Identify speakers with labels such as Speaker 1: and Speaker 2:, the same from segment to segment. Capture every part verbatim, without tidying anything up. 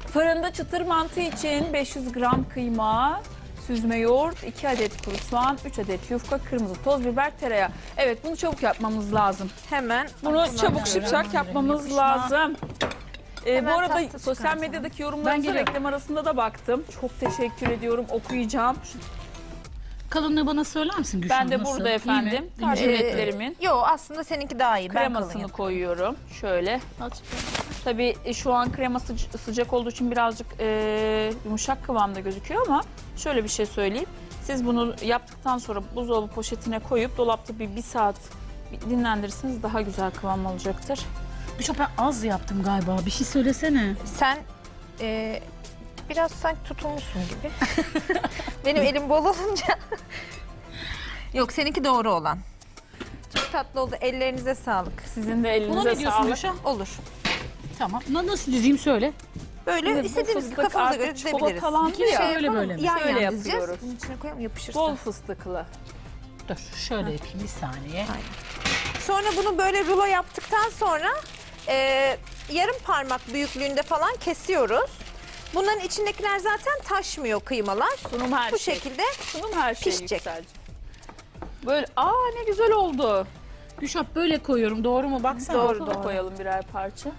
Speaker 1: Fırında çıtır mantı için beş yüz gram kıyma, süzme yoğurt, iki adet kuru soğan, üç adet yufka, kırmızı toz biber, tereyağı. Evet, bunu çabuk yapmamız lazım.
Speaker 2: Hemen.
Speaker 1: Bunu çabuk şipşak yapmamız lazım. Ee, bu
Speaker 2: Hemen
Speaker 1: arada
Speaker 2: tahta
Speaker 1: sosyal
Speaker 2: çıkartalım.
Speaker 1: medyadaki yorumlarınıza reklam arasında da baktım. Çok teşekkür ediyorum, okuyacağım.
Speaker 3: Kalınlığı bana söyler misin Gülşah?
Speaker 1: Ben de
Speaker 3: nasıl?
Speaker 1: burada
Speaker 3: İyi mi?
Speaker 1: efendim.
Speaker 3: İyi mi?
Speaker 1: Tercih etlerimin
Speaker 2: Yo, aslında seninki daha iyi. Ben kalın
Speaker 1: kremasını
Speaker 2: yapayım.
Speaker 1: koyuyorum. Şöyle.
Speaker 3: Azıcık.
Speaker 1: Tabii e, şu an krema sıca- sıcak olduğu için birazcık e, yumuşak kıvamda gözüküyor ama şöyle bir şey söyleyeyim. Siz bunu yaptıktan sonra buzdolabı poşetine koyup dolapta bir, bir saat dinlendirirseniz daha güzel kıvam olacaktır.
Speaker 3: Gülşah ben az yaptım galiba. Bir şey söylesene.
Speaker 2: Sen e, biraz sanki tutulmuşsun gibi. Benim elim bol olunca. Yok, seninki doğru olan. Çok tatlı oldu. Ellerinize sağlık.
Speaker 1: Sizin de
Speaker 3: Buna
Speaker 1: elinize
Speaker 3: ne diyorsun
Speaker 1: sağlık.
Speaker 3: Gülşah?
Speaker 2: Olur.
Speaker 3: Tamam. Na- Nasıl dizeyim söyle.
Speaker 2: Böyle
Speaker 1: Şimdi bu
Speaker 2: istediğiniz
Speaker 1: fıstık
Speaker 2: kafanıza
Speaker 1: artık
Speaker 2: göre dizebiliriz.
Speaker 1: çikolatalandı
Speaker 2: Bir
Speaker 1: ya.
Speaker 2: şey
Speaker 3: Öyle
Speaker 2: yapalım,
Speaker 3: böyle mi?
Speaker 2: Yan
Speaker 1: Şöyle
Speaker 2: yan dizeceğiz.
Speaker 1: yapıyoruz.
Speaker 2: Bunun içine koyalım, yapışırsa.
Speaker 1: Bol fıstıklı.
Speaker 3: Dur şöyle yapayım bir saniye.
Speaker 2: Sonra bunu böyle rulo yaptıktan sonra e, yarım parmak büyüklüğünde falan kesiyoruz. Bunların içindekiler zaten taşmıyor, kıymalar.
Speaker 1: Sunum her
Speaker 2: Bu
Speaker 1: şey.
Speaker 2: şekilde
Speaker 1: Sunum her şey
Speaker 2: pişecek.
Speaker 1: yükselecek. Böyle aa ne güzel oldu.
Speaker 3: Gülşah böyle koyuyorum. Doğru mu? Baksana.
Speaker 2: Doğru,
Speaker 1: Ortada
Speaker 2: doğru.
Speaker 1: koyalım birer parça.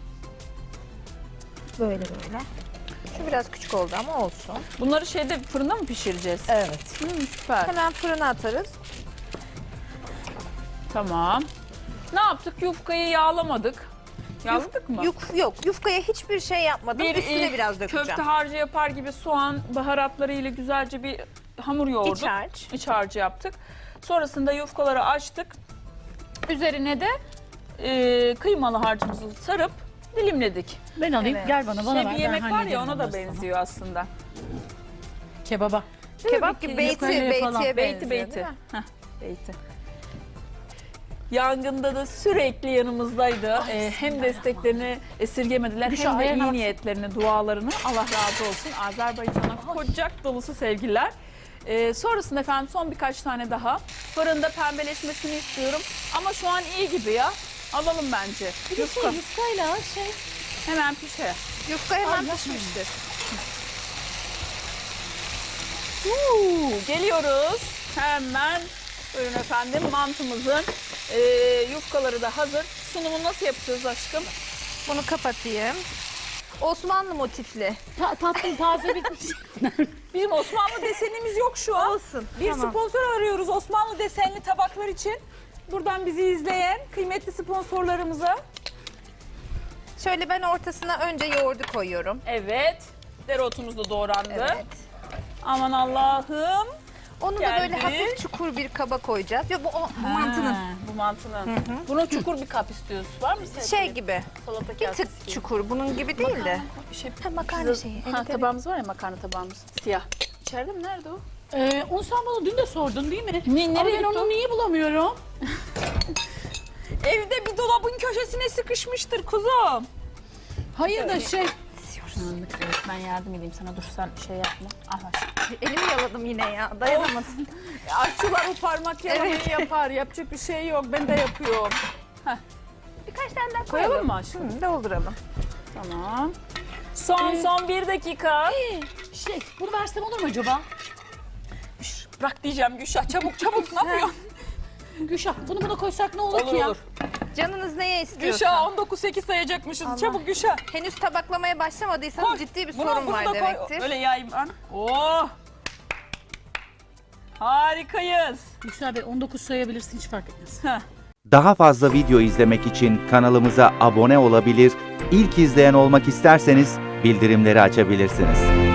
Speaker 2: böyle böyle. Şu biraz küçük oldu ama olsun.
Speaker 1: Bunları şeyde fırında mı pişireceğiz?
Speaker 2: Evet.
Speaker 1: Hı, süper.
Speaker 2: Hemen fırına atarız.
Speaker 1: Tamam. Ne yaptık? Yufkayı yağlamadık. Yağladık mı?
Speaker 2: Yuf, yok, yufkaya hiçbir şey yapmadım. Üstüne
Speaker 1: e,
Speaker 2: biraz dökeceğim.
Speaker 1: Köfte harcı yapar gibi soğan baharatları ile güzelce bir hamur yoğurduk.
Speaker 2: İç harç.
Speaker 1: İç harcı yaptık. Sonrasında yufkaları açtık. Üzerine de e, kıymalı harcımızı sarıp dilimledik.
Speaker 3: Ben alayım.
Speaker 2: Evet.
Speaker 3: Gel bana. Bana
Speaker 1: Şey
Speaker 3: ver.
Speaker 1: bir
Speaker 3: ben
Speaker 1: yemek var
Speaker 3: hallederim
Speaker 1: ya ona da
Speaker 3: onları sana.
Speaker 1: benziyor aslında.
Speaker 3: Kebaba.
Speaker 2: Kebap
Speaker 1: Değil
Speaker 2: gibi
Speaker 1: mi?
Speaker 2: beyti,
Speaker 3: Yukarıya falan.
Speaker 2: beytiye
Speaker 1: Beyti
Speaker 2: benziyor,
Speaker 1: beyti.
Speaker 2: değil mi?
Speaker 1: Heh, beyti. Yangında da sürekli yanımızdaydı. Ee, hem desteklerini esirgemediler
Speaker 3: Gülşah,
Speaker 1: hem de
Speaker 3: ayağına
Speaker 1: iyi
Speaker 3: bak.
Speaker 1: niyetlerini, dualarını. Allah razı olsun. Azerbaycan'a kocak dolusu sevgiler. Ee, sonrasında efendim son birkaç tane daha. Fırında pembeleşmesini istiyorum. Ama şu an iyi gibi ya. Alalım bence.
Speaker 3: Bir de şey
Speaker 1: Yufka
Speaker 3: yufkayla şey.
Speaker 1: hemen pişer.
Speaker 2: Yufka hemen
Speaker 3: Ay,
Speaker 2: pişmiştir.
Speaker 1: Uuu, geliyoruz. Hemen buyurun efendim mantımızın e, yufkaları da hazır. Sunumu nasıl yapacağız aşkım?
Speaker 2: Bunu kapatayım. Osmanlı motifli.
Speaker 3: Ta tatlım taze bitmiş.
Speaker 1: Bizim Osmanlı desenimiz yok şu an.
Speaker 2: Olsun.
Speaker 1: Bir
Speaker 2: tamam.
Speaker 1: sponsor arıyoruz Osmanlı desenli tabaklar için. Buradan bizi izleyen kıymetli sponsorlarımıza.
Speaker 2: Şöyle ben ortasına önce yoğurdu koyuyorum.
Speaker 1: Evet. Dereotumuz da doğrandı.
Speaker 2: Evet.
Speaker 1: Aman Allah'ım.
Speaker 2: Onu da
Speaker 1: Geldi.
Speaker 2: böyle hafif çukur bir kaba koyacağız. Yok, bu o, bu
Speaker 1: Ha,
Speaker 2: mantının
Speaker 1: Bu mantının. Bunu çukur bir kap istiyoruz. Var mı senin?
Speaker 2: şey gibi.
Speaker 1: Salata
Speaker 2: Bir
Speaker 1: kasesi
Speaker 2: tık
Speaker 1: gibi.
Speaker 2: çukur. Bunun gibi değil de.
Speaker 1: Bir şey.
Speaker 2: Ha, makarna
Speaker 1: Size-
Speaker 2: şeyi.
Speaker 1: Ha,
Speaker 2: Evet, evet.
Speaker 1: tabağımız var ya makarna tabağımız. Siyah. İçeride mi? Nerede o?
Speaker 3: Ee, onu sen bana dün de sordun değil mi?
Speaker 1: Ne-
Speaker 3: Ama
Speaker 1: nereye
Speaker 3: ben
Speaker 1: gitti
Speaker 3: onu
Speaker 1: o?
Speaker 3: niye bulamıyorum?
Speaker 1: Evde bir dolabın köşesine sıkışmıştır kuzum.
Speaker 3: Hayır da şey.
Speaker 1: Anlık evet, ben yardım edeyim sana. Dur sen şey yapma. Ah aşkım.
Speaker 2: Elimi yaladım yine ya. Dayanamadım.
Speaker 1: Aşçılar o parmak yalamayı yapar. Yapacak bir şey yok. Ben de yapıyorum.
Speaker 2: Birkaç tane daha
Speaker 1: Koyalım
Speaker 2: koyalım.
Speaker 1: mı aşkım?
Speaker 2: Hı, dolduralım.
Speaker 1: Tamam. Son
Speaker 3: Ee,
Speaker 1: son bir dakika.
Speaker 3: Şey bunu versem olur mu acaba?
Speaker 1: Şş, Bırak diyeceğim Gülşah. Çabuk çabuk ne yapıyorsun?
Speaker 3: Gülşah bunu buna koysak ne olur,
Speaker 1: olur
Speaker 3: ki ya?
Speaker 1: olur.
Speaker 2: Canınız neye istiyorsa.
Speaker 1: Gülşah on dokuz sekiz sayacakmışız.
Speaker 2: Allah.
Speaker 1: Çabuk Gülşah.
Speaker 2: Henüz tabaklamaya başlamadıysanız
Speaker 1: Koy.
Speaker 2: ciddi bir
Speaker 1: Bunu-
Speaker 2: sorun
Speaker 1: bunu
Speaker 2: var
Speaker 1: da koy.
Speaker 2: demektir.
Speaker 1: Öyle yayayım ben. Oh. Harikayız.
Speaker 3: Yüksel Bey on dokuz sayabilirsin hiç fark etmez.
Speaker 1: Heh.
Speaker 4: Daha fazla video izlemek için kanalımıza abone olabilir, ilk izleyen olmak isterseniz bildirimleri açabilirsiniz.